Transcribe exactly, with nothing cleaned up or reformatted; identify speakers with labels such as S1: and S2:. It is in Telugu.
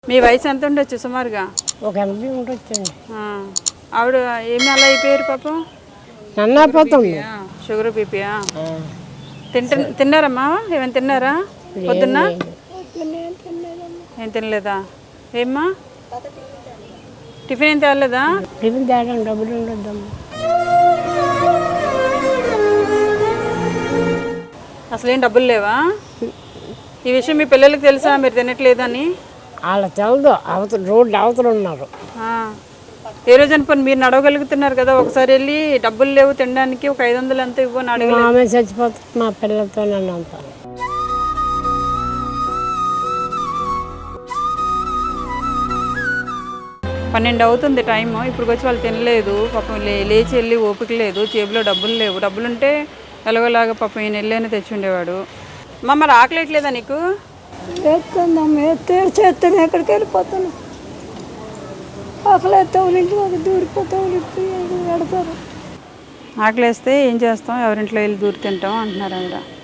S1: మీ వయసు ఎంత ఉండొచ్చు సుమారుగా?
S2: ఒక ఎనభై ఉండొచ్చండి.
S1: ఆవిడ ఏమి అలా అయిపోయారు పాపం?
S2: నన్నపోతుంది.
S1: షుగర్ బీపీయా? తింట తిన్నారమ్మా? ఏమైనా తిన్నారా పొద్దున్న? ఏం తినలేదా? ఏమ్మా టిఫిన్ ఏం తేలేదా?
S2: టిఫిన్ తేడం డబ్బులు ఉండొద్దమ్మా.
S1: అసలు ఏం డబ్బులు లేవా? ఈ విషయం మీ పిల్లలకి తెలుసా మీరు తినట్లేదని?
S2: వాళ్ళ తెలదు. అవతల రోడ్డు అవతల ఉన్నారు.
S1: ఏ రోజు అనుకోని మీరు నడవగలుగుతున్నారు కదా, ఒకసారి వెళ్ళి డబ్బులు లేవు తినడానికి ఒక ఐదు వందలు ఎంత ఇవ్వని అడగ.
S2: ఆమె చచ్చిపోతుంది మా పిల్లలతో నన్ను అంతా.
S1: పన్నెండు అవుతుంది టైము, ఇప్పుడు వచ్చి వాళ్ళు తినలేదు పాపం. లే లేచి వెళ్ళి ఓపిక లేదు, జేబులో డబ్బులు లేవు. డబ్బులుంటే ఎలాగోలాగా పాపం ఈయన వెళ్ళని తెచ్చి ఉండేవాడు. మా మరి ఆకలేట్లేదా నీకు?
S3: ఎత్తుందమ్మా, ఎత్తే చేస్తాను ఎక్కడికి వెళ్ళిపోతాను. ఆకలి ఎత్తే ఇంట్లో దూరిపోతావు పెడతారు.
S1: ఆకలేస్తే ఏం చేస్తాం, ఎవరింట్లో వెళ్ళి దూరి తింటాం అంటున్నారు ఆవిడ.